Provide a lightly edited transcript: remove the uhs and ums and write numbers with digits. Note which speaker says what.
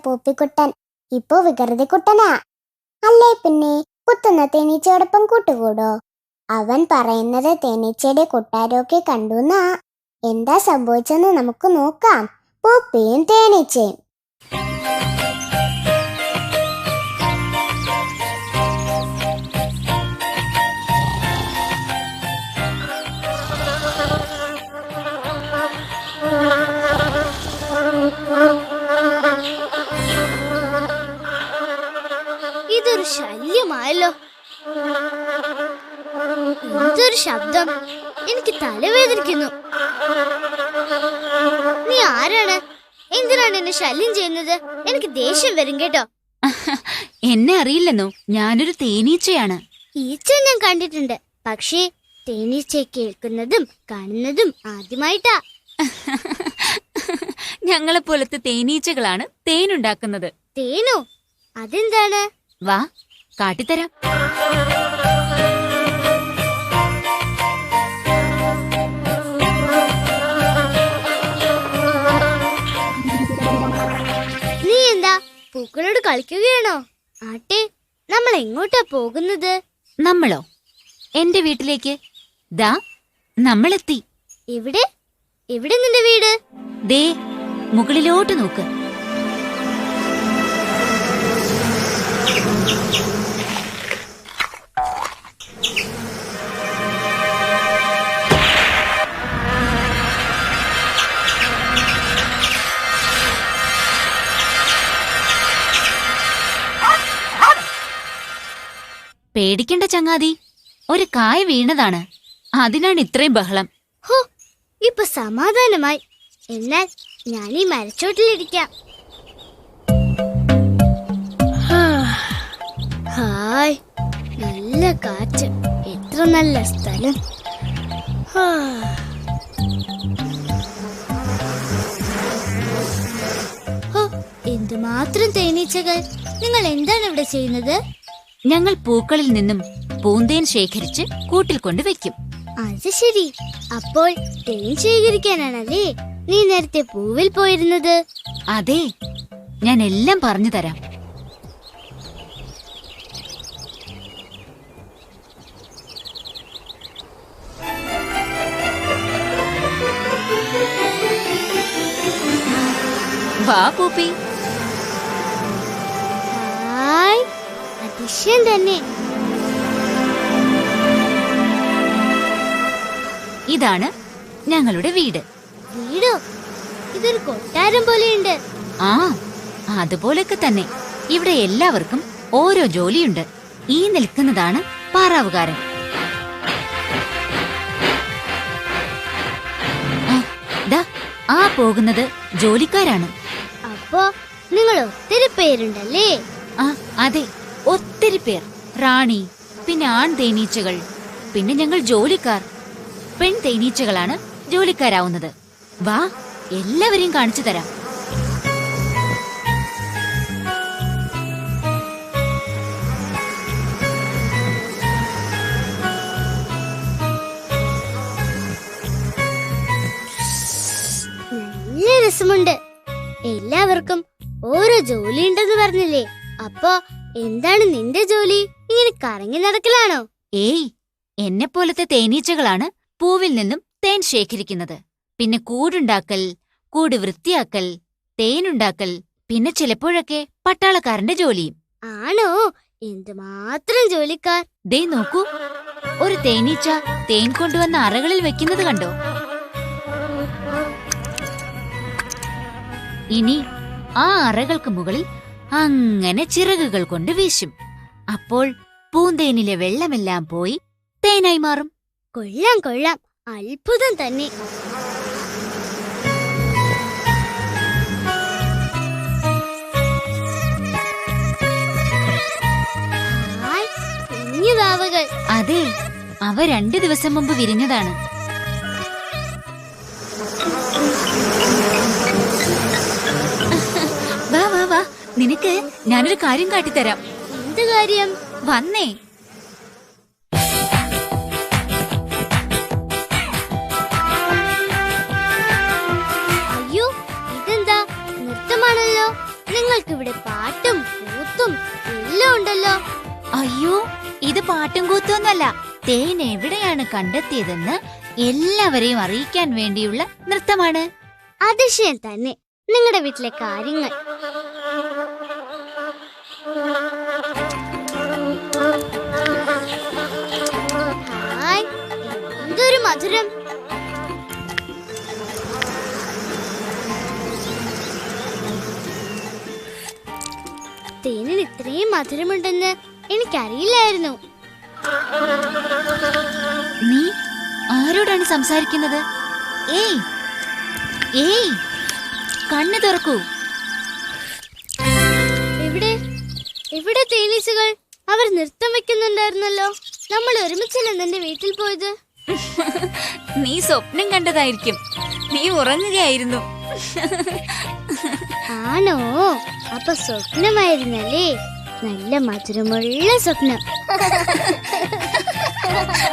Speaker 1: പൂപ്പിക്കുട്ടൻ ഇപ്പോ വികൃതിക്കുട്ടനാ. അല്ലേ പിന്നെ കുത്തുന്ന തേനീച്ചയോടൊപ്പം കൂട്ടുകൂടോ? അവൻ പറയുന്നത് തേനീച്ചയുടെ കൊട്ടാരമൊക്കെ കണ്ടുന്നാ. എന്താ സംഭവിച്ചെന്ന് നമുക്ക് നോക്കാം. പൂപ്പിയും തേനീച്ചയും.
Speaker 2: ഇതൊരു ശല്യമായല്ലോ. എന്തൊരു ശബ്ദം! എനിക്ക് തലവേദനിക്കുന്നു. നീ ആരാണ്? എന്തിനാണ് എന്നെ ശല്യം ചെയ്യുന്നത്? എനിക്ക് ദേഷ്യം വരും കേട്ടോ.
Speaker 3: എന്നെ അറിയില്ലെന്നോ? ഞാനൊരു തേനീച്ചയാണ്.
Speaker 2: ഈച്ച ഞാൻ കണ്ടിട്ടുണ്ട്, പക്ഷേ തേനീച്ചയെ കേൾക്കുന്നതും കാണുന്നതും ആദ്യമായിട്ടാ.
Speaker 3: ഞങ്ങളെപ്പോലത്തെ തേനീച്ചകളാണ് തേനുണ്ടാക്കുന്നത്.
Speaker 2: തേനോ? അതെന്താണ്?
Speaker 3: വാ, കാട്ടിത്തരാം.
Speaker 2: നീ എന്താ പൂക്കളോട് കളിക്കുകയാണോ? ആട്ടെ, നമ്മൾ എങ്ങോട്ടാ പോകുന്നത്?
Speaker 3: നമ്മളോ? എന്റെ വീട്ടിലേക്ക്. ദാ, നമ്മളെത്തി.
Speaker 2: എവിടെ? എവിടെ നിന്റെ വീട്?
Speaker 3: ദേ, മുകളിലോട്ട് നോക്ക്. പേടിക്കണ്ട ചങ്ങാതി, ഒരു കായ വീണതാണ്. അതിനാണ് ഇത്രയും ബഹളം.
Speaker 2: ഹോ, ഇപ്പൊ സമാധാനമായി. എന്നാൽ ഞാൻ ഈ മരച്ചോട്ടിലിരിക്കാം. ഹായ്, നല്ല കാറ്റ്. എത്ര നല്ല സ്ഥലം. എന്തുമാത്രം തേനീച്ചകൾ! നിങ്ങൾ എന്താണ് ഇവിടെ ചെയ്യുന്നത്?
Speaker 3: ഞങ്ങൾ പൂക്കളിൽ നിന്നും പൂന്തേൻ ശേഖരിച്ച് കൂട്ടിൽ കൊണ്ടുവയ്ക്കും.
Speaker 2: അത് ശരി. അപ്പോൾ തേൻ ശേഖരിക്കാനാണല്ലേ നീ നേരത്തെ പൂവിൽ പോയിരുന്നത്?
Speaker 3: അതെ, ഞാൻ എല്ലാം പറഞ്ഞു തരാം. വാ പൂപ്പി.
Speaker 2: ഹായ്, അതിശയം തന്നെ.
Speaker 3: ഇതാണ് ഞങ്ങളുടെ വീട്.
Speaker 2: വീടോ? ഇതൊരു കൊട്ടാരം പോലെയുണ്ട്.
Speaker 3: ആ, അതുപോലൊക്കെ തന്നെ. ഇവിടെ എല്ലാവർക്കും ഓരോ ജോലിയുണ്ട്. ഈ നിൽക്കുന്നതാണ് പാറാവുകാരൻ. ദാ, ആ പോകുന്നത് ജോലിക്കാരാണ്.
Speaker 2: അപ്പോ നിങ്ങൾ ഒത്തിരി പേരുണ്ടല്ലേ?
Speaker 3: ആ, അതെ, ഒത്തിരി പേർ. റാണി, പിന്നെ ആൺ തേനീച്ചകൾ, പിന്നെ ഞങ്ങൾ ജോലിക്കാർ. പെൺ തേനീച്ചകളാണ് ജോലിക്കാരാവുന്നത്. വാ, എല്ലാവരെയും കാണിച്ചു തരാം.
Speaker 2: നല്ല രസമുണ്ട്. എല്ലാവർക്കും ഓരോ ജോലി ഉണ്ടെന്ന് പറഞ്ഞില്ലേ? അപ്പോ എന്താണ് നിന്റെ ജോലി? ഇങ്ങനെ കറങ്ങി നടക്കലാണോ?
Speaker 3: ഏയ്, എന്നെ പോലത്തെ തേനീച്ചകളാണ് പൂവിൽ നിന്നും തേൻ ശേഖരിക്കുന്നത്. പിന്നെ കൂടുണ്ടാക്കൽ, കൂട് വൃത്തിയാക്കൽ, തേനുണ്ടാക്കൽ, പിന്നെ ചിലപ്പോഴൊക്കെ പട്ടാളക്കാരന്റെ ജോലിയും.
Speaker 2: ആണോ? എന്തുമാത്രം ജോലിക്കാർ!
Speaker 3: ദേ നോക്കൂ, ഒരു തേനീച്ച തേൻ കൊണ്ടുവന്ന അറകളിൽ വെക്കുന്നത് കണ്ടോ? ഇനി ആ അറകൾക്ക് മുകളിൽ അങ്ങനെ ചിറകുകൾ കൊണ്ട് വീശും. അപ്പോൾ പൂന്തേനിലെ വെള്ളമെല്ലാം പോയി തേനായി മാറും.
Speaker 2: കൊള്ളാം കൊള്ളാം, അത്ഭുതം തന്നെ. ഹായ്, കുഞ്ഞു വാവകൾ.
Speaker 3: അതെ, അവ 2 ദിവസം മുമ്പ് വിരിഞ്ഞതാണ്. വാ വാ വാ, നിനക്ക് ഞാനൊരു കാര്യം കാട്ടിത്തരാം.
Speaker 2: എന്ത് കാര്യം?
Speaker 3: വന്നേ.
Speaker 2: അയ്യോ, ഇതെന്താ? നൃത്തമാണല്ലോ. നിങ്ങൾ നിങ്ങൾക്കിവിടെ പാട്ടും കൂത്തും എല്ലാം ഉണ്ടല്ലോ.
Speaker 3: അയ്യോ, ഇത് പാട്ടും കൂത്തൊന്നല്ല. തേൻ എവിടെയാണ് കണ്ടെത്തിയതെന്ന് എല്ലാവരെയും അറിയിക്കാൻ വേണ്ടിയുള്ള നൃത്തമാണ്.
Speaker 2: അതിശയം തന്നെ നിങ്ങളുടെ വീട്ടിലെ കാര്യങ്ങൾ. ഹായ്, എന്തൊരു മധുരം. തേനിന് ഇത്രയും മധുരമുണ്ടെന്ന് എനിക്കറിയില്ലായിരുന്നു.
Speaker 3: നീ ആരോടാണ് സംസാരിക്കുന്നത്? ഏയ് ഏയ്, കണ്ണു തുറക്കൂ.
Speaker 2: എവിടെ എവിടെ തേനീച്ചകൾ? അവർ നൃത്തം വെക്കുന്നുണ്ടായിരുന്നല്ലോ. നമ്മൾ ഒരുമിച്ചല്ലേ നിന്റെ വീട്ടിൽ പോയത്?
Speaker 3: നീ സ്വപ്നം കണ്ടതായിരിക്കും. നീ ഉറങ്ങുകയായിരുന്നു.
Speaker 2: ആണോ? അപ്പൊ സ്വപ്നമായിരുന്നല്ലേ? നല്ല മധുരമുള്ള സ്വപ്നം.